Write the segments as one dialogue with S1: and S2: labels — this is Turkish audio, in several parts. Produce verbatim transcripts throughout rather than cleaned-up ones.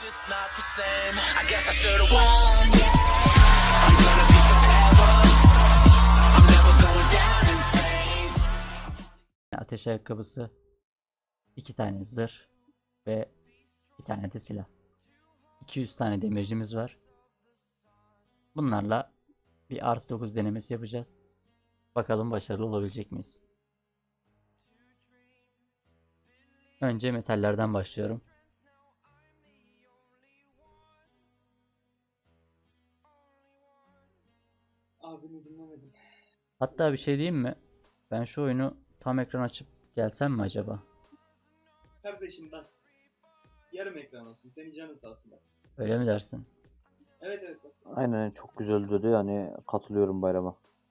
S1: just not the same. I guess I should have won. I'm gonna be forever. I'm never going down in flames.
S2: Ateş ayakkabısı, iki tane zırh ve bir tane de silah. iki yüz tane demircimiz var. Bunlarla bir artı dokuz denemesi yapacağız. Bakalım başarılı olabilecek miyiz? Önce metallerden başlıyorum.
S3: Abini dinlemedim.
S2: Hatta bir şey diyeyim mi? Ben şu oyunu tam ekran açıp gelsem mi acaba?
S3: Kardeşim bak. Yarım ekran olsun. Senin canın sağ olsun bak.
S2: Öyle mi dersin?
S3: Evet evet bak.
S4: Aynen çok güzel dedi yani katılıyorum bayrama.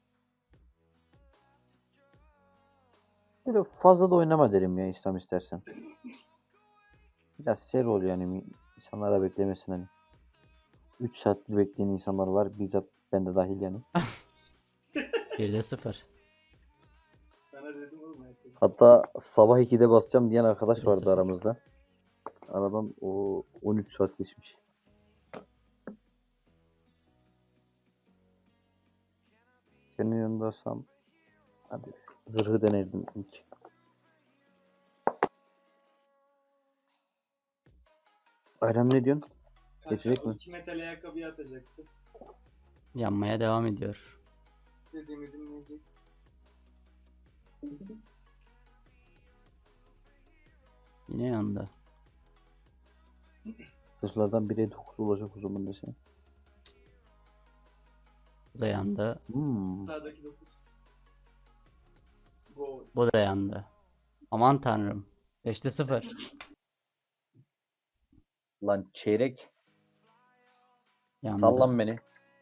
S4: Böyle fazla da oynama derim ya İslam istersen. Biraz seri ol yani insanlar da beklemesin hani. üç saattir bekleyen insanlar var bizzat ben de dahil yani.
S2: bir de sıfır.
S3: Sana dedim oğlum hayatım.
S4: Hatta sabah ikide basacağım diyen arkadaş
S2: Bir de
S4: vardı
S2: sıfır.
S4: aramızda. Aradan o on üç saat geçmiş. Senin yanındaysam hadi zırhı denerdim ilk. Bayram ne diyorsun? Geçecek
S3: Kanka, o
S4: mi?
S3: iki metal ayakkabıyı atacaktı.
S2: Yanmaya devam ediyor.
S3: Dediğimi dinleyecek.
S2: Yine yandı.
S4: Zırhlardan bire dokuz olacak o zaman desene.
S2: Bu da yandı.
S4: Hmm.
S3: Sağdaki dokuz. Gol.
S2: Bu da yandı. Aman tanrım. beşte sıfır.
S4: Lan çeyrek.
S2: Yandı.
S4: Sallan beni.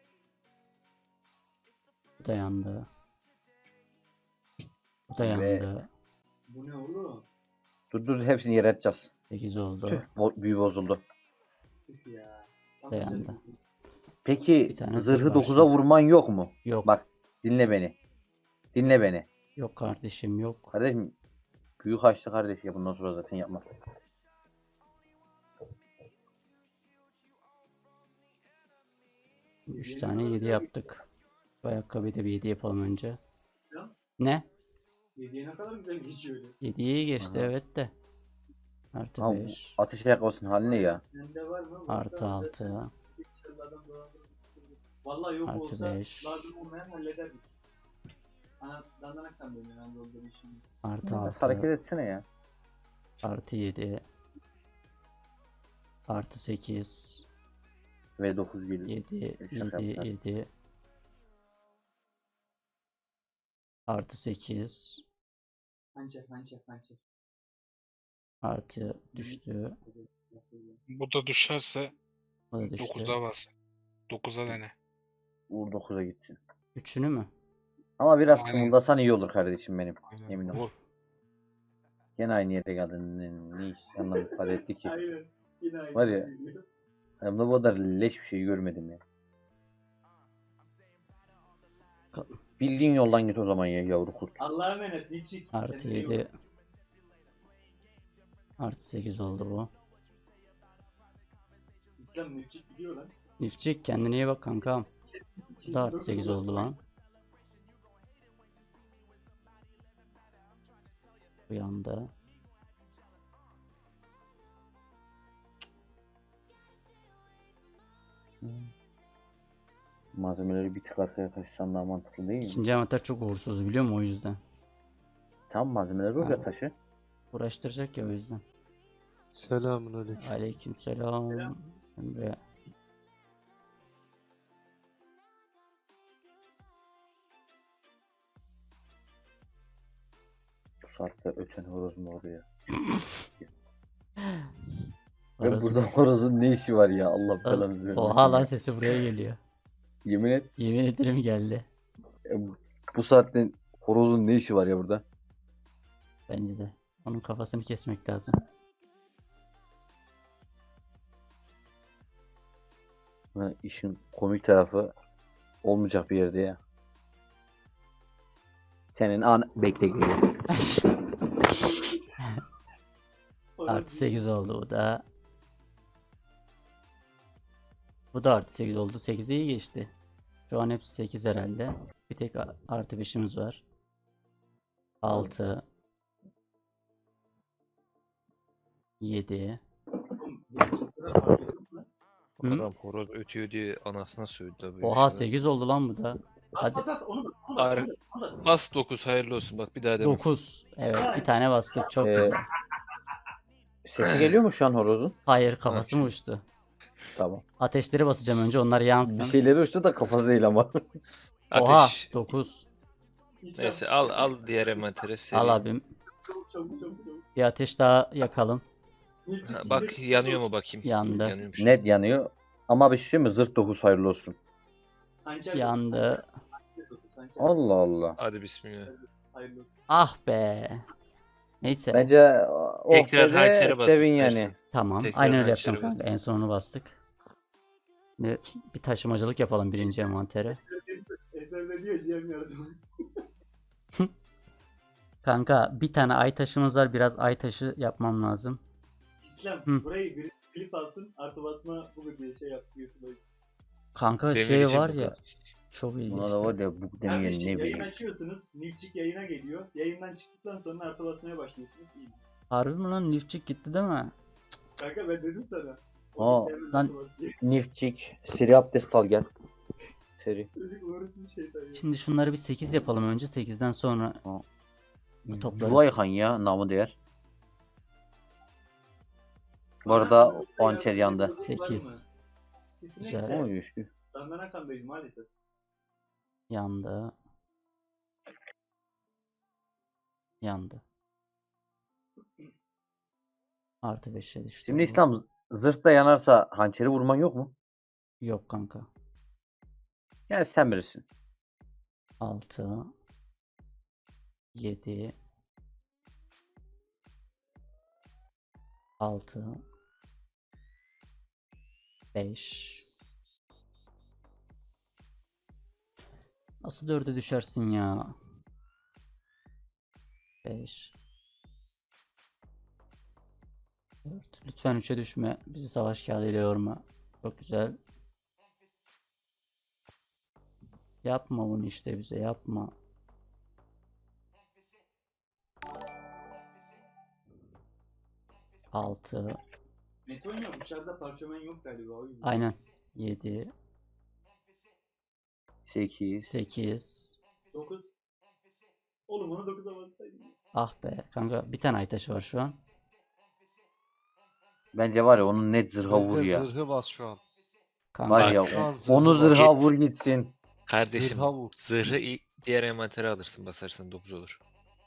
S2: Bu da yandı. Bu da
S4: Ve-
S2: yandı.
S3: Bu ne oğlum?
S4: Dur dur hepsini yere atacağız.
S2: sekiz oldu.
S4: Tüh, bo- büyü bozuldu.
S3: Tüh ya. Tam
S2: Da
S3: güzel
S2: yandı.
S3: bir-
S4: Peki
S2: Bir tane
S4: zırhı
S2: zırh
S4: dokuza
S2: var.
S4: vurman yok mu?
S2: Yok.
S4: Bak dinle beni. Dinle beni.
S2: Yok kardeşim yok.
S4: Kardeşim büyük açtı kardeş ya bundan sonra zaten yapma.
S2: üç tane yedi yaptık. Bu ayakkabıyı da bir yedi yapalım önce.
S3: Ya.
S2: Ne?
S3: Yediye ne kadar güzel geçiyor öyle.
S2: yediyi geçti
S4: Aha.
S2: evet de. Artı
S4: Ha, bu
S2: beş.
S4: ateş ayakkabısının hali ne ya?
S3: Sende var mı?
S2: Artı altı.
S3: Vallahi yok
S2: Artı
S3: olsa
S2: beş.
S3: lazım olmayan hallederdik. Ana dandanaktan dönüyor ben doldurduğum işimi.
S2: Artı
S4: Biraz hareket
S2: altı.
S4: etsene ya.
S2: Artı yedi. Artı sekiz.
S4: Ve dokuz geliyor.
S2: yedi.
S4: Şaka
S2: yedi.
S4: yaptılar.
S2: yedi. Artı sekiz.
S3: Hançer hançer hançer.
S2: Artı düştü.
S5: Bu da düşerse
S2: O da düştü.
S5: dokuza bas. dokuza dene.
S4: Vur dokuza gitsin.
S2: Üçünü mü?
S4: Ama biraz
S5: Aynen.
S4: kımıldasan iyi olur kardeşim benim.
S5: Aynen.
S4: Emin ol.
S5: Vur.
S4: Gene aynı yere geldin. Ne, ne iş anlam ifade etti ki.
S3: Aynen. Yine aynı.
S4: Var ya.
S3: şey geliyor.
S4: Hayatımda bu kadar leş bir şey görmedim ya.
S2: Ka-
S4: Bildiğin yoldan git o zaman ya yavru kurt.
S3: Allah'a emanet Nilçik.
S2: Artı
S3: Kendine iyi bak.
S2: yedi. Artı sekiz oldu bu.
S3: İslam Nilçik biliyor lan.
S2: Nifçik kendine iyi bak kankam. Bu da artı sekiz oldu lan. Bu yanda.
S4: Malzemeleri bir tık arkaya taşısan daha mantıklı değil mi?
S2: İkinci amatör çok uğursuz biliyor musun o yüzden.
S4: Tam malzemeleri oraya
S2: Ha.
S4: taşı.
S2: Uğraştıracak ya o yüzden.
S6: Selamünaleyküm.
S2: Aleykümselam.
S3: Selam.
S2: Emre.
S4: Bu saatte öten horoz mu oraya? Ve
S2: Orası
S4: burada
S2: bir-
S4: horozun ne işi var ya Allah
S2: Al-
S4: belanı vermesin.
S2: Oha lan
S4: ya.
S2: sesi buraya geliyor.
S4: Yemin et
S2: Yemin ederim geldi.
S4: e, bu- bu saatte horozun ne işi var ya burada?
S2: Bence de. Onun kafasını kesmek lazım.
S4: Ha, işin komik tarafı olmayacak bir yerde ya. Senin an bekle geliyor.
S2: Artı sekiz oldu bu da. Bu da artı sekiz oldu. sekize iyi geçti. Şu an hepsi sekiz herhalde. Bir tek a- artı beşimiz var. altı yedi.
S3: Oğlum, yeni çıktılar, fark ettin mi?
S2: Hı?
S7: Adam horoz ötüyor diye anasına sövdü tabii.
S2: Oha sekiz oldu lan bu da.
S3: Bas
S2: Hadi
S3: bas bas onu bas. Onu bas.
S7: Ar-
S3: Onu bas. Onu bas.
S7: Bas dokuz hayırlı olsun bak bir daha deme.
S2: dokuz. Evet bir tane bastık. Çok
S4: Ee,
S2: güzel.
S4: Sesi geliyor mu şu an horozun?
S2: Hayır kafası mı uçtu?
S4: Tamam.
S2: Ateşleri basacağım önce onlar
S4: Bir
S2: yansın.
S4: şeyleri uçtu da kafası değil ama.
S2: Oha
S7: Ateş.
S2: dokuz.
S3: İslam,
S7: Neyse al al diğer envantere seri.
S2: Al abim.
S3: Çabuk çabuk çabuk. çabuk.
S2: Bir ateş daha yakalım.
S3: Nilcik
S7: Ha,
S3: indir.
S7: bak yanıyor mu bakayım.
S2: Yandı.
S7: Yanıyormuş.
S4: Net yanıyor. Ama bir şey söyleyeyim mi? Zırt dokuz hayırlı olsun.
S3: Hançer
S2: Yandı.
S3: dokuz, hançer
S4: Allah Allah.
S7: Hadi bismillah.
S3: hayırlı olsun.
S2: Ah be. Neyse.
S4: Bence o
S7: Tekrar
S4: de
S7: hançere bas
S4: sevin
S7: istersen.
S4: yani.
S2: Tamam.
S7: Tekrar
S2: Aynen öyle
S7: hançere
S2: yapacağım
S7: bas.
S2: kanka. En sonunu bastık. Ne, bir taşımacılık yapalım birinci envantere.
S3: Eser'de diyor Cem yardım.
S2: Kanka bir tane ay taşımız var. Biraz ay taşı yapmam lazım.
S3: İslam
S2: Hı.
S3: burayı bir klip alsın artı basma bu diye şey yaptı YouTube'a.
S2: Kanka şey
S7: Demirci
S2: var
S7: burada.
S2: ya. Çok iyi.
S4: Buna da var ya bu demeyen
S3: Kardeşim
S4: ne
S3: yayın
S4: bileyim.
S3: açıyorsunuz. Nilcik yayına geliyor. Yayından çıktıktan sonra artı basmaya başlıyorsunuz. İyi.
S2: Harbi mi lan? Lifçik gitti değil mi?
S3: Kanka ben dedim sana.
S4: Aa,
S2: lan-
S3: Artı bas diye.
S4: Nifçik. Seri abdest al gel. Seri.
S3: Çocuk uğursuz şeytan ya.
S2: Şimdi şunları bir sekiz yapalım önce. sekizden sonra toplarız.
S4: Yuva yıkan ya namı değer. Bu arada o hançer yandı.
S2: sekiz. Güzel.
S3: Güzel.
S4: O düştü.
S3: Dandana kandayız maalesef.
S2: Yandı. Yandı. Artı beşe düştü.
S4: Şimdi
S2: bu.
S4: İslam zırhta yanarsa hançeri vurman yok mu?
S2: Yok kanka.
S4: Yani sen bilirsin.
S2: altı yedi altı beş Nasıl dörde düşersin ya? beş dört Lütfen üçe düşme. Bizi savaş kağıdıyla yorma. Çok güzel. Yapma bunu işte bize yapma. altı
S3: Metonya uçarda parşömen yok galiba o yüzden.
S2: Aynen. yedi
S4: sekiz.
S2: sekiz
S3: dokuz. Oğlum onu dokuza bassaydın.
S2: Ah be kanka bir tane ay taşı var şu an.
S4: Bence var ya onun net zırha
S6: Bence
S4: vur ya.
S6: zırhı bas şu an.
S2: Kanka
S4: Var ya
S6: Şu an
S4: o-
S6: zırhı
S4: onu
S6: var.
S4: zırha vur gitsin.
S7: Kardeşim
S6: Zırha vur.
S7: zırhı i- diğer envantere alırsın basarsan dokuz olur.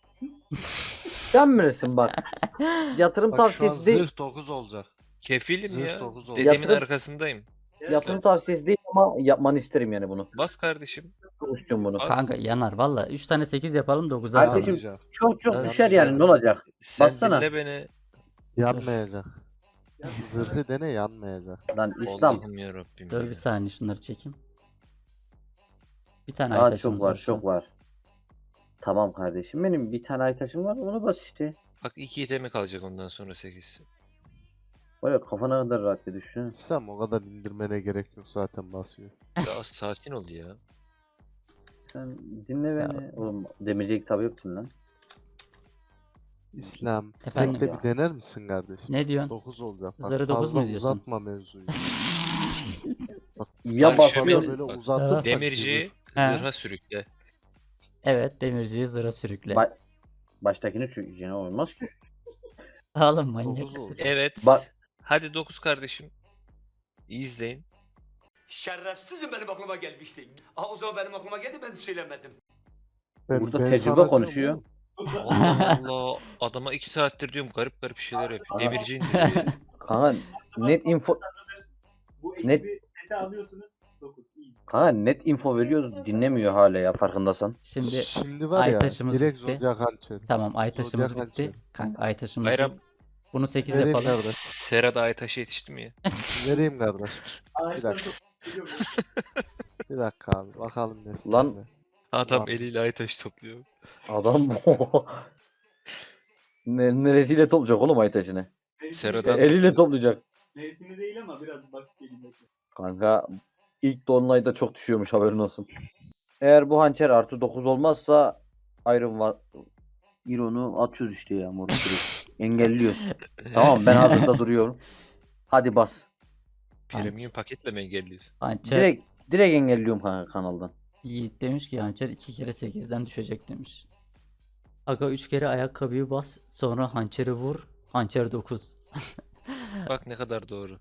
S4: Sen bilirsin bak. Yatırım
S6: Bak şu an
S4: tavsiyesi değil.
S6: zırh dokuz olacak.
S7: Kefilim
S6: Zırh
S7: ya.
S6: dokuz oldu.
S7: Dedemin
S4: Yatırım-
S7: arkasındayım.
S4: Yatırım tavsiyesi değil ama yapmanı isterim yani bunu.
S7: Bas kardeşim.
S4: Çok istiyorum bunu.
S7: Bas.
S2: kanka yanar valla. üç tane sekiz yapalım dokuza
S4: Kardeşim,
S2: atalım.
S6: Yanmayacak.
S4: Çok çok
S7: Ya
S4: düşer
S7: sen-
S4: yani ne olacak?
S7: Sen
S4: Bassana.
S7: dinle beni.
S6: Yanmayacak. Zırhı dene yanmayacak.
S4: Lan İslam
S7: Allah'ım yarabbim
S2: Dur
S7: ya.
S2: bir saniye şunları çekeyim. Bir tane ay
S4: daha çok
S2: taşımız
S4: var
S2: şu an.
S4: çok var. Tamam kardeşim benim bir tane ay taşım var onu bas işte.
S7: Bak iki itemi kalacak ondan sonra sekiz.
S4: Var ya kafana kadar rahat bir düşün.
S6: İslam o kadar indirmene gerek yok zaten basıyor.
S7: Ya sakin ol ya.
S4: Sen dinle beni. Oğlum demirci kitabı yoksun lan.
S6: İslam
S2: Efendim?
S6: tek de bir dener misin kardeşim?
S2: ne diyorsun?
S6: dokuz olacak. Bak,
S2: Zırhı dokuz
S6: fazla
S2: mu diyorsun?
S6: uzatma mevzuyu. Bak,
S4: Ya
S7: Bak
S4: bas
S7: şöyle-
S6: fazla
S4: bir-
S6: böyle
S7: Bak,
S6: uzatırsak
S7: Demirciyi
S2: He.
S7: zırha sürükle.
S2: Evet demirciyi zıra sürükle.
S4: Ba- baştakini çökeceğine olmaz ki.
S2: Oğlum manyak
S6: dokuz
S2: mısın?
S6: oldu.
S7: Evet.
S4: Bak
S7: Hadi dokuz kardeşim. İyi izleyin.
S8: Şerefsizim benim aklıma gelmişti. Aha o zaman benim aklıma geldi ben söylemedim.
S6: Ben-
S4: burada
S6: ben
S4: tecrübe
S6: sana diyorum
S4: konuşuyor.
S6: oğlum,
S7: Allah Allah. Adama iki saattir diyorum garip garip şeyler yapıyor.
S4: Aha.
S7: Demirci indiriyor.
S4: Kanka net info
S3: Bu
S4: Net-
S3: ekibi sese alıyorsunuz. dokuz. İyi.
S4: kanka net info veriyoruz dinlemiyor hala ya farkındasın.
S2: Şimdi
S6: Şimdi var
S2: ay
S6: ya
S2: taşımız
S6: direkt
S2: bitti.
S6: zodiac hançeri.
S2: tamam ay taşımız
S6: Zodiac
S2: bitti.
S6: hançeri.
S2: Kanka ay taşımız
S7: Bayram.
S2: Bunu sekiz
S6: Vereyim
S2: yapalım.
S6: kardeş.
S7: Serada Aytaş'a yetişti mi ya?
S6: Vereyim kardeş.
S3: Ağaçtan
S6: dakika.
S3: topluyor.
S6: Bir dakika abi bakalım ne
S4: Lan-
S6: sizde.
S7: Adam
S6: Var.
S7: eliyle Aytaş topluyor.
S4: Adam ne, neresiyle toplayacak oğlum ay taşını?
S7: Serada-
S4: Eliyle toplayacak.
S3: Mevsimi değil ama biraz bak gelin bekle.
S4: Kanka ilk Dolunay'da çok düşüyormuş, haberin olsun. Eğer bu hançer artı dokuz olmazsa Iron var. Iron'u atıyoruz işte ya moruk direkt. Engelliyoruz. Tamam, ben hazırda duruyorum. Hadi bas.
S7: Premium paketle mi engelliyorsun?
S2: Hançer
S4: Direkt direkt engelliyorum kanka kanaldan.
S2: Yiğit demiş ki hançer iki kere sekizden düşecek demiş. Aga üç kere ayakkabıyı bas, sonra hançeri vur. Hançer dokuz.
S7: Bak ne kadar doğru.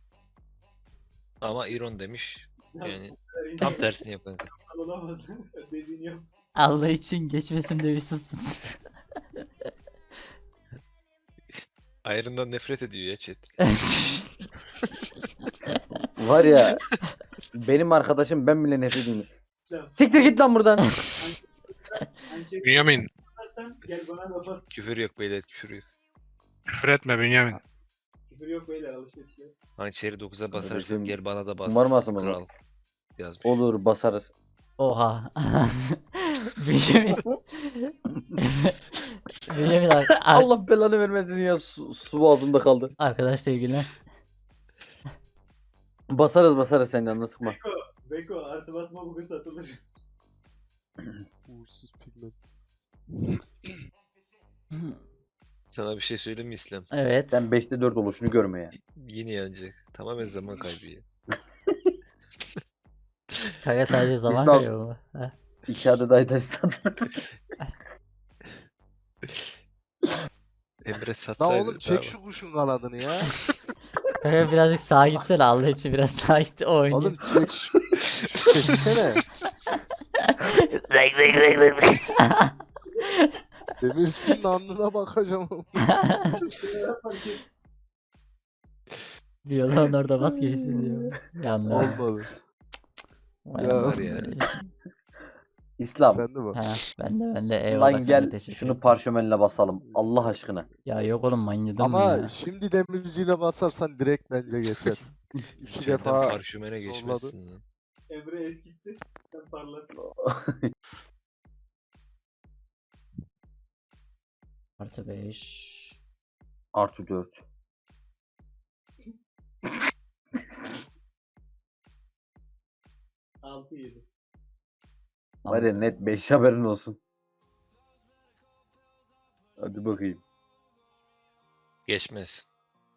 S7: Ama Iron demiş.
S3: Ya,
S7: Yani tam tersini yap kanka.
S3: olamaz. Dediğini yap.
S2: Allah için geçmesin de bir susun.
S7: Iron'dan nefret ediyor ya chat.
S4: Var ya benim arkadaşım, ben bile nefret ediyorum.
S3: İslam.
S4: Siktir git lan buradan.
S3: Hançeri
S5: Bünyamin.
S3: yaparsan gel bana da bas.
S7: Küfür yok beyler, küfür yok.
S5: Küfür etme Bünyamin.
S3: Küfür yok beyler, alışveriş yok.
S7: Hançeri dokuza basarsın,
S4: Kardeşim,
S7: gel bana da bas.
S4: umarım asılmaz o.
S7: Kral yazmış.
S4: Olur, basarız.
S2: Oha. Bünyamin. Bünyamin ar- ar-
S4: Allah belanı vermesin ya, su, su boğazımda kaldı.
S2: arkadaş sevgililer.
S4: Basarız basarız, sen yanına sıkma.
S3: Beko, Beko artı basma bugün satılır.
S6: Uğursuz pigment.
S7: Sana bir şey söyleyeyim mi İslam?
S2: Evet.
S4: Sen beşte dört oluşunu görme ya.
S7: Yine yanacak. Tamamen zaman kaybı ya.
S2: Kanka sadece zaman
S4: İslam-
S2: kaybı bu. Heh.
S4: İki adet aytaş satılır.
S7: Emre
S6: La
S7: satsaydı.
S6: oğlum çek şu kuşun kanadını ya.
S2: Kanka birazcık sağa gitsene, Allah için biraz sağa git o oynuyor.
S6: Oğlum çek şu. Çeksene. Demir üstünün alnına bakacağım.
S2: Bir yola orada bas geçsin diyor. Yandı.
S6: Olmadı.
S2: Vay
S6: Ya.
S2: Allah.
S7: Var ya.
S4: İslam.
S6: Sen de bak.
S2: Ha, ben de ben de eyvallah
S4: Lan
S2: kanka,
S4: gel
S2: teşekkür
S4: şunu
S2: ederim.
S4: parşömenle basalım. Allah aşkına.
S2: Ya yok oğlum, manyadım mı
S6: Ama
S2: ya?
S6: şimdi demirciyle basarsan direkt bence geçer. İki
S7: İçeriden
S6: defa
S7: parşömene geçmezsin lan.
S3: Emre eskitti. Sen parlat.
S2: Artı beş.
S4: Artı dört.
S3: altı yedi.
S4: Var ya net beş, haberin olsun. Hadi bakayım.
S7: Geçmez.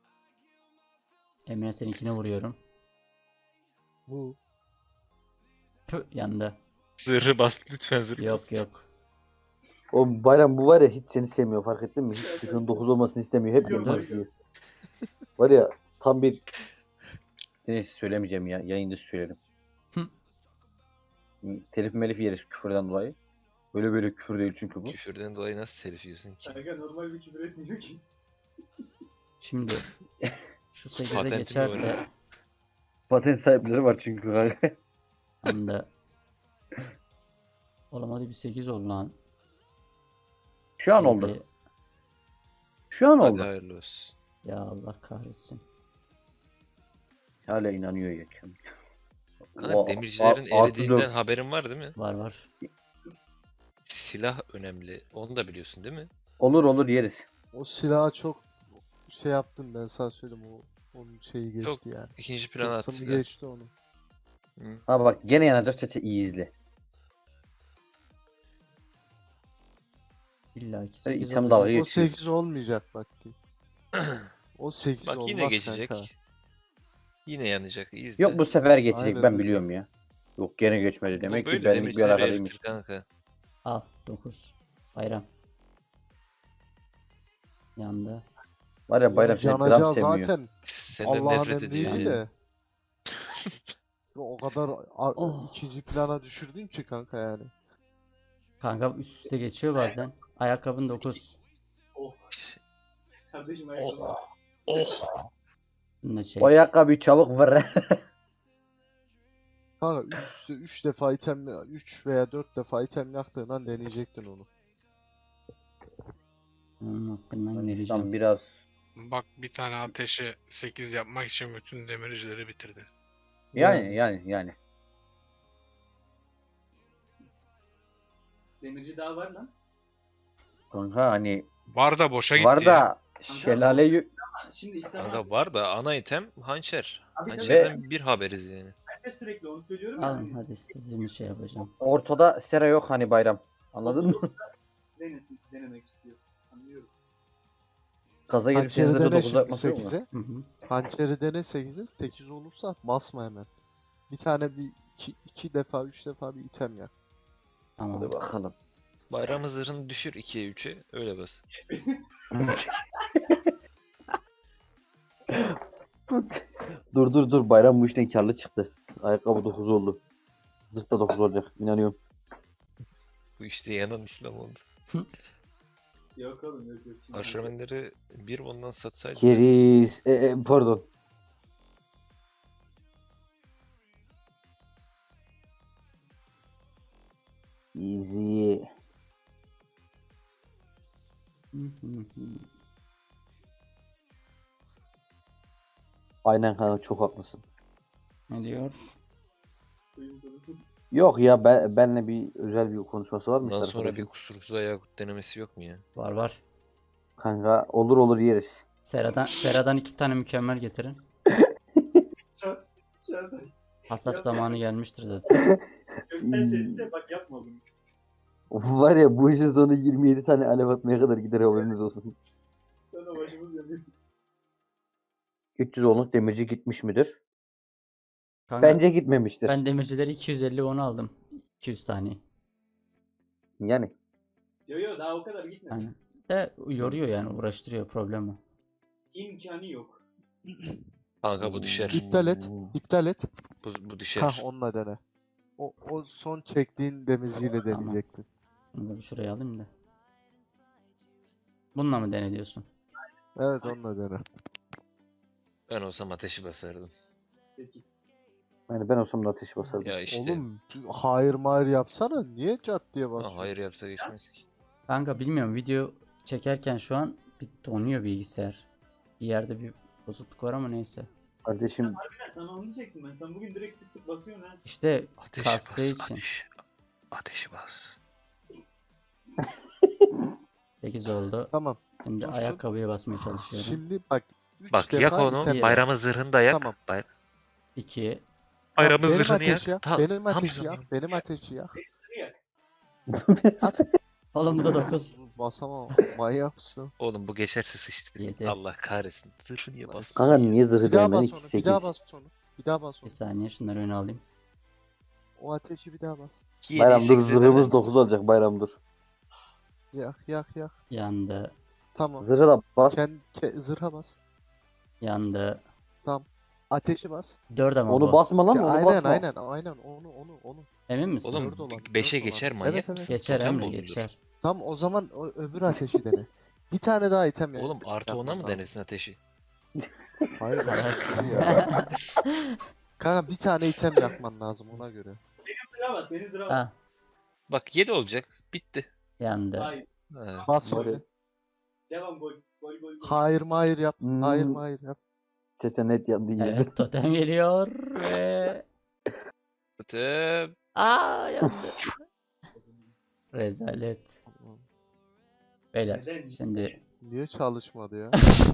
S2: Emre seninkine vuruyorum.
S6: bu.
S2: Püh, yandı.
S7: Zırhı bas lütfen, zırhı bas.
S2: Yok yok.
S4: O Bayram bu var ya, hiç seni sevmiyor, fark ettin mi? Hiç sıkın dokuz olmasını istemiyor. Hep
S3: Yok,
S4: yanına
S3: yok.
S4: düşüyor. Var ya tam bir... Neyse söylemeyeceğim ya. Yayında söylerim.
S2: Hı.
S4: Telif melif yeriz küfürden dolayı. Böyle böyle küfür değil çünkü bu.
S7: Küfürden dolayı nasıl telif yiyorsun ki?
S3: Kanka normal bir küfür etmiyor ki.
S2: Şimdi şu sekize
S7: Patentini
S2: geçerse
S7: öğren.
S4: Patent sahipleri var çünkü kanka.
S2: hem de oğlum hadi bir sekiz ol lan.
S4: Şu an oldu.
S2: Hadi.
S4: Şu an
S7: Hadi
S4: oldu.
S7: hayırlı olsun.
S2: Ya Allah kahretsin.
S4: Hala inanıyor ya.
S7: Kanka
S4: O-
S7: demircilerin
S4: a- artı
S7: eridiğinden
S4: dört.
S7: haberin var değil mi?
S2: Var var.
S7: Silah önemli. Onu da biliyorsun değil mi?
S4: Olur olur yeriz.
S6: O silahı çok şey yaptım ben sana söyleyeyim o onun şeyi geçti
S7: Çok
S6: yani.
S7: İkinci plana at
S6: Kısmı
S7: silah.
S6: geçti onu.
S7: Hı.
S4: Ha bak gene yanacak çeçe, iyi izle.
S2: İlla ki
S4: Böyle
S2: sekiz
S4: item
S2: olacak.
S4: dalga
S6: O
S4: geçiyor.
S6: sekiz olmayacak bak ki. O sekiz
S7: Bak
S6: olmaz
S7: yine geçecek.
S6: kanka.
S7: Yine yanacak. İyi izle.
S4: Yok bu sefer geçecek,
S6: Aynen
S4: ben
S6: öyle.
S4: biliyorum ya. Yok gene geçmedi
S7: Bu
S4: demek ki
S7: böyle
S4: benlik bir
S7: demircileri
S4: alakalıymış.
S7: eritir kanka.
S2: Al dokuz. Bayram. Yandı.
S4: Var ya Bayram seni gram
S6: Canacağı
S4: sevmiyor.
S6: zaten
S7: Senden
S6: Allah'ın
S7: nefret ediyor
S6: emriyle
S7: ya.
S6: de. O kadar ar-
S2: Oh.
S6: ikinci plana düşürdün ki kanka yani.
S2: Kanka üst üste geçiyor bazen. Ayakkabın dokuz.
S3: Oh. Kardeşim ayakkabı.
S7: Oh.
S2: Bunu da çek.
S4: O ayakkabıyı çabuk ver.
S6: Kanka üç, üç defa item üç veya dört defa item yaktığın an deneyecektin onu.
S2: Onun hakkından
S4: Tam
S2: vereceğim.
S4: biraz
S5: Bak bir tane ateşe sekiz yapmak için bütün demircileri bitirdi.
S4: yani yani yani.
S3: Demirci daha var lan.
S4: Kanka hani
S5: Var da boşa gitti
S4: var
S5: ya.
S4: da şelale yü-
S3: şimdi İslam
S7: Kanka
S3: abi,
S7: var da ana item hançer.
S3: Abi tabii.
S7: Hançerden bir haberiz yani.
S3: ben de sürekli onu söylüyorum ya.
S2: Alın
S3: hani
S2: hadi sizin şey yapacağım.
S4: Ortada Sera yok hani bayram. Anladın mı?
S3: Denesin, denemek istiyor. Anlıyorum.
S4: Kaza gelip
S6: Hançeri
S4: hazırda
S6: dene
S4: dokuz
S6: şimdi
S4: yapması yok mu?
S6: sekize.
S2: Hı hı.
S6: Hançeri dene sekize. sekiz olursa basma hemen. Bir tane bir iki, iki defa üç defa bir item yak.
S2: Tamam.
S4: Hadi bakalım.
S7: Bayram zırhını düşür ikiye üçe öyle bas.
S4: Dur dur dur bayram bu işten karlı çıktı. Ayakkabı dokuz oldu. Zırt da dokuz olacak. İnanıyorum.
S7: Bu işte yanan İslam oldu.
S3: Yok oğlum yok yok. Şimdi
S7: Aşramenleri bir ondan satsaydı zaten.
S4: Keriz. E, e, pardon. Easy.
S2: Hı hı hı.
S4: Aynen kanka çok haklısın.
S2: Ne diyor?
S3: koyayım sana.
S4: Yok ya ben, benle bir özel bir konuşması var mı
S7: Bundan
S4: işte
S7: sonra bir
S4: arkadaşın?
S7: kusursuz Yakut denemesi yok mu ya?
S2: Var var.
S4: Kanka olur olur yeriz.
S2: Sera'dan, Sera'dan iki tane mükemmel getirin.
S3: Çağ- Çağatay,
S2: Hasat
S3: Yok
S2: zamanı gelmiştir zaten.
S3: Göksel sesle bak yapma bunu.
S4: Var ya bu işin sonu yirmi yedi tane alev atmaya kadar gider haberiniz olsun.
S3: Sana başımız yanıyor.
S4: üç yüz onluk demirci gitmiş midir?
S2: Kanka,
S4: Bence gitmemiştir.
S2: ben demircileri iki yüz elli onu aldım. iki yüz tane.
S4: Yani
S3: Yo yo daha o kadar gitmedi.
S2: Aynen. De yoruyor yani uğraştırıyor problem o.
S3: İmkanı yok.
S7: Kanka bu düşer.
S6: İptal et. İptal et.
S7: Bu, bu düşer.
S6: Hah onunla dene. O, o son çektiğin demirciyle
S2: Tamam.
S6: deneyecektin.
S2: Bunu da bir şuraya alayım da. Bununla mı dene diyorsun?
S6: Evet onunla dene.
S7: Ben olsam ateşi basardım.
S3: sekiz.
S4: Yani ben olsam da ateşi basardım.
S7: Ya işte.
S6: Oğlum hayır mayır yapsana. Niye cart diye
S7: Ha,
S6: basıyorsun?
S7: hayır yapsa geçmez ki.
S2: Kanka bilmiyorum video çekerken şu an bir donuyor bilgisayar. Bir yerde bir bozukluk var ama neyse.
S4: Kardeşim
S3: Harbiden sana onu diyecektim ben. Sen bugün direkt tık tık basıyorsun ha.
S2: İşte
S7: Ateşi
S2: kastığı
S7: bas.
S2: için.
S7: Ateş. Ateşi bas.
S2: sekiz oldu.
S6: Tamam.
S2: Şimdi
S6: Dursun.
S2: ayakkabıya basmaya çalışıyorum.
S6: Şimdi bak. üç
S7: Bak
S6: defa
S7: yak onu.
S6: item
S2: Bir-
S7: Bayramın zırhını da yak.
S6: Tamam.
S7: Bay-
S2: iki.
S7: Bayramın
S6: benim
S7: zırhını yak.
S6: ateşi yak.
S7: Ta-
S6: benim
S7: tam
S6: ateşi
S7: zamanı.
S6: yak. Benim ateşi yak.
S2: Oğlum bu da dokuz.
S6: Basamam. Manyak mısın?
S7: Oğlum bu geçerse sıçtı.
S2: Yedi.
S7: Allah kahretsin. Zırhı niye bastın?
S4: kanka niye zırhı
S6: Bir daha
S4: denemedik
S6: bas
S4: ki
S6: onu. Bir daha
S4: sekiz?
S6: bas onu. Bir daha bas
S2: Bir
S6: onu.
S2: saniye şunları öne alayım.
S6: O ateşi bir daha bas.
S7: Yediye
S4: Bayram dur
S7: sekize
S4: zırhımız
S7: dene.
S4: dokuz olacak bayram dur.
S6: Yak yak yak.
S2: Yandı.
S6: Tamam.
S4: Zırhı da bas.
S6: Kendi ke- zırha bas.
S2: Yandı.
S6: Ateşi bas.
S2: dört ama
S4: Onu
S2: bu.
S4: basma lan
S6: Ya
S4: onu
S6: aynen
S4: basma.
S6: aynen aynen onu onu onu.
S2: Emin misin?
S7: Oğlum
S6: Dört olan,
S7: beşe
S6: dört olan.
S7: geçer
S6: Evet,
S7: manyak
S6: evet.
S7: mısın?
S2: Geçer
S7: Totem
S2: Emre
S7: bozulur.
S2: geçer.
S6: Tam o zaman o öbür ateşi dene. Bir tane daha item yak.
S7: Oğlum artı ona
S6: yapman
S7: mı
S6: lazım.
S7: denesin ateşi?
S6: Hayır. ya. Kanka bir tane item yakman lazım ona göre.
S3: Sıra bas. Benim sıra bas.
S2: Ha,
S7: Bak yedi olacak. Bitti.
S2: yandı.
S3: Hayır.
S7: Ha.
S6: Bas
S4: Doğru.
S6: şimdi.
S3: Devam gol. Gol gol gol.
S6: Hayır mayır yap. Hayır
S4: Hmm.
S6: mayır yap.
S4: Çeçe net yandı yüzde.
S2: Evet totem geliyor ve...
S7: Totem.
S2: Aa yandı. Rezalet. Beyler
S3: Neden?
S2: şimdi
S6: Niye çalışmadı ya?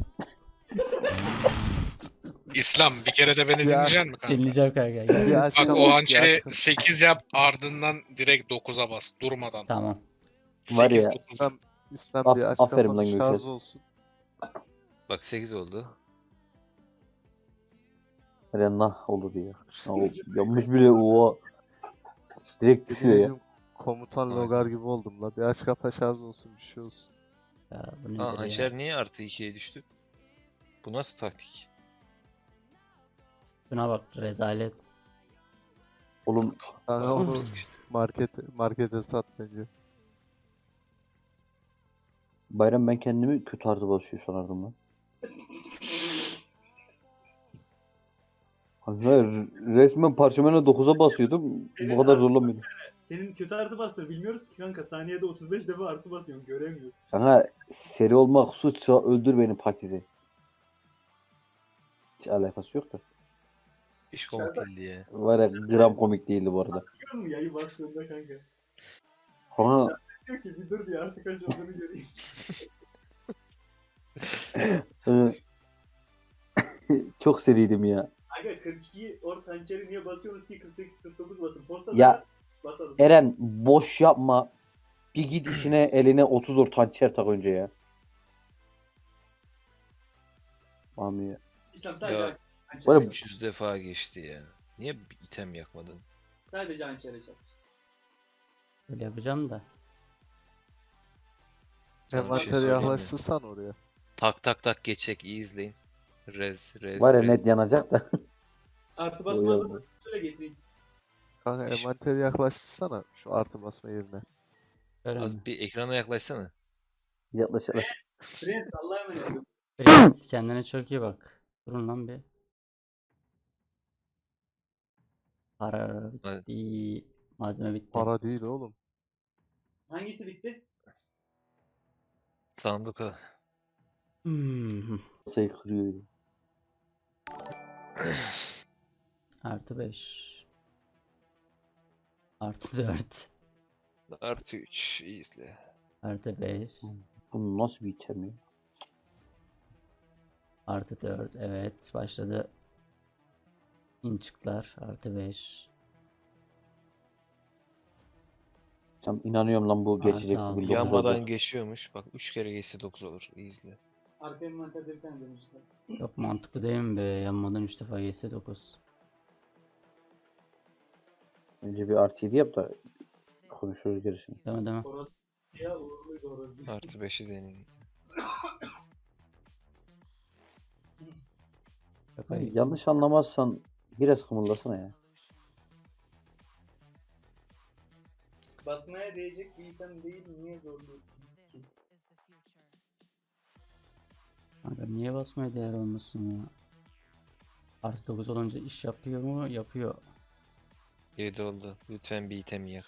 S5: İslam bir kere de beni
S6: Ya.
S5: dinleyecek misin kanka?
S2: dinleyeceğim kanka. gel.
S6: Bir
S5: Bak
S6: açıklama-
S5: o
S6: bir
S5: hançeri
S6: açıklama.
S5: sekiz yap ardından direkt dokuza bas durmadan.
S2: Tamam.
S4: Var
S5: sekiz,
S4: ya.
S5: dokuz.
S6: İslam, İslam
S4: Af-
S6: bir
S4: aferin
S6: açıklama
S4: lan
S6: şarj
S4: Gökçe.
S6: olsun.
S7: Bak sekiz oldu.
S4: Hele nah olur ya. Ya o yanmış bile o direkt düşüyor ya.
S6: Yemin Komutan
S7: Aynen.
S6: Logar gibi oldum la. Bir aç kapa şarj olsun bir şey olsun.
S2: Ya, bu nedir
S7: Ha
S2: ya?
S7: hançer niye artı ikiye düştü? Bu nasıl taktik?
S2: Şuna bak rezalet.
S4: Oğlum
S6: Kanka onu
S7: Yapmıştık işte.
S6: markete, markete sat bence.
S4: bayram ben kendimi kötü artı basıyor sanardım lan. Kanka resmen parşömene dokuza basıyordum. Bu kadar zorlamıyordum.
S3: Senin kötü artı bastır bilmiyoruz ki kanka. Saniyede otuz beş defa artı basıyorsun. Göremiyoruz.
S4: Kanka seri olmak suçsa öldür beni Pakize. Hiç alakası yok da.
S7: Hiç komik değildi ya.
S4: Var ya gram komik değildi bu arada.
S3: Biliyor musun yayı bastığında kanka?
S4: Kanka
S3: Diyor ki bir dur diye artık kaç olduğunu göreyim.
S4: e, Çok seriydim ya.
S3: Aga kırk iki or hançeri niye basıyorsunuz ki kırk sekiz kırk dokuz basın. Postada
S4: Ya,
S3: basalım.
S4: Eren boş yapma. Bir git işine eline otuz or hançer tak önce ya. Mami ya.
S3: İslam sadece
S7: Ya,
S3: hançeri
S4: Böyle-
S3: çalış.
S7: üç yüz defa geçti ya. Niye bir item yakmadın?
S3: Sadece hançeri çalış.
S2: Öyle yapacağım da.
S7: Sana bir şey
S6: Envanteri
S7: söyleyeyim mi?
S6: yaklaştırsan oraya.
S7: Tak tak tak geçecek, iyi izleyin. Rez, rez,
S4: Var ya
S7: rez.
S4: net yanacak da.
S3: Artı
S4: Yo, yo.
S3: basmazsa şöyle getireyim.
S6: Kanka
S7: İş-
S6: envanteri yaklaştırsana şu artı basma yerine.
S2: Öyle mi?
S7: Az bir ekrana yaklaşsana.
S4: Yaklaş yaklaş.
S3: Prens Allah'a emanet olun.
S2: Prens, kendine çok iyi bak. Durun lan bir. Para
S7: Evet.
S2: bitti. Malzeme bitti.
S6: Para değil oğlum.
S3: Hangisi bitti?
S7: Sandık o.
S2: Hmm.
S4: Sayı kırıyor.
S2: Artı beş. Artı dört.
S7: Artı üç, iyi izle.
S2: Artı beş.
S4: Bu nasıl bir item ya?
S2: Artı dört. Evet, başladı. İnçikler. Artı beş.
S4: Tam inanıyorum lan bu
S2: Artı
S4: geçecek.
S2: altı.
S4: bu dokuz
S7: Yanmadan
S4: oldu.
S7: geçiyormuş. Bak üç kere geçse dokuz olur. İyi izle.
S3: Arka envanterde bir tane demişler.
S2: Çok mantıklı değil mi be? Yanmadan üç defa geçse dokuz.
S4: Önce bir artı yedi yap da konuşuruz gerisini.
S2: Değil mi değil mi?
S3: Orası ya uğurluydu orası.
S7: Artı beşi deneyin.
S2: Çok ayıp.
S4: Yanlış anlamazsan biraz kımıldasana ya.
S3: Basmaya değecek bir item değil, niye zorluyorsun ki?
S2: Kanka niye basmaya değer olmasın ya? Artı dokuz olunca iş yapıyor mu? Yapıyor.
S7: yedi oldu. Lütfen bir item yak.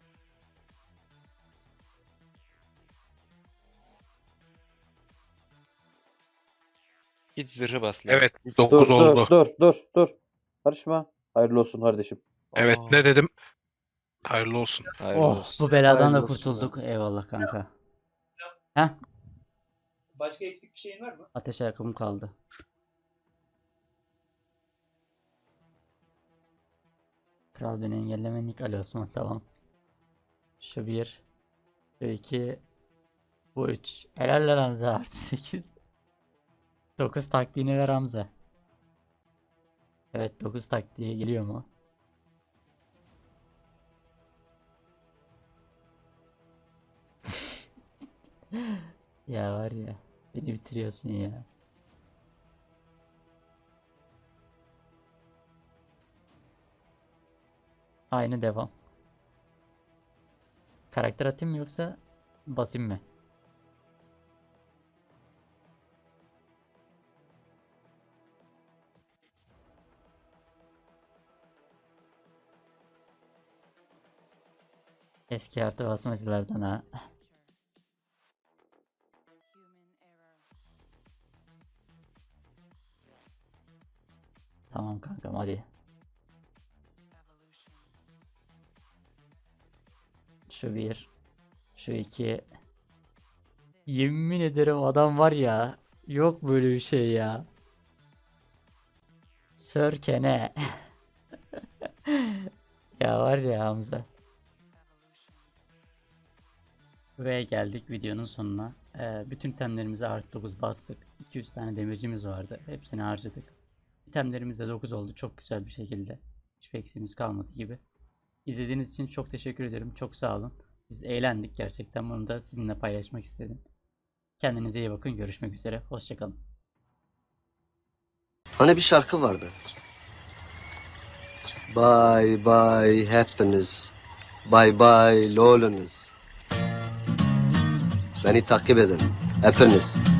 S7: Git zırhı bas lan.
S5: Evet,
S4: Dur
S5: dokuz
S4: dur
S5: oldu.
S4: dur dur dur. Karışma. Hayırlı olsun kardeşim.
S5: Evet,
S6: Aa,
S5: ne dedim? Hayırlı olsun.
S7: Hayırlı
S2: Oh,
S7: olsun.
S2: bu beladan da
S6: Hayırlı olsun
S2: kurtulduk. Eyvallah kanka. Heh,
S3: Başka eksik bir şeyin var mı?
S2: ateş ayakkabım kaldı. Kral beni engelleme Nick Ali Osman, tamam. Şu bir. Şu iki. Bu üç. Helal lan Hamza, artı sekiz. dokuz taktiğini ver Hamza. Evet, dokuz taktiği geliyor mu? Ya var ya, beni bitiriyorsun ya. Aynı devam. Karakter atayım mı yoksa basayım mı? Eski artı basmacılardan ha. Tamam kankam, hadi. Şu bir. Şu iki. Yemin ederim adam var ya. Yok böyle bir şey ya. Sörkene. Ya var ya Hamza. Ve geldik videonun sonuna. Ee, bütün itemlerimize artı dokuz bastık. iki yüz tane demircimiz vardı. Hepsini harcadık. İtemlerimiz de dokuz oldu çok güzel bir şekilde. Hiçbir eksiğimiz kalmadı gibi. İzlediğiniz için çok teşekkür ederim. Çok sağ olun. Biz eğlendik gerçekten. Bunu da sizinle paylaşmak istedim. Kendinize iyi bakın. Görüşmek üzere. Hoşçakalın.
S9: Hani bir şarkı vardı. Bye bye hepiniz. Bye bye lolunuz. Beni takip edin hepiniz.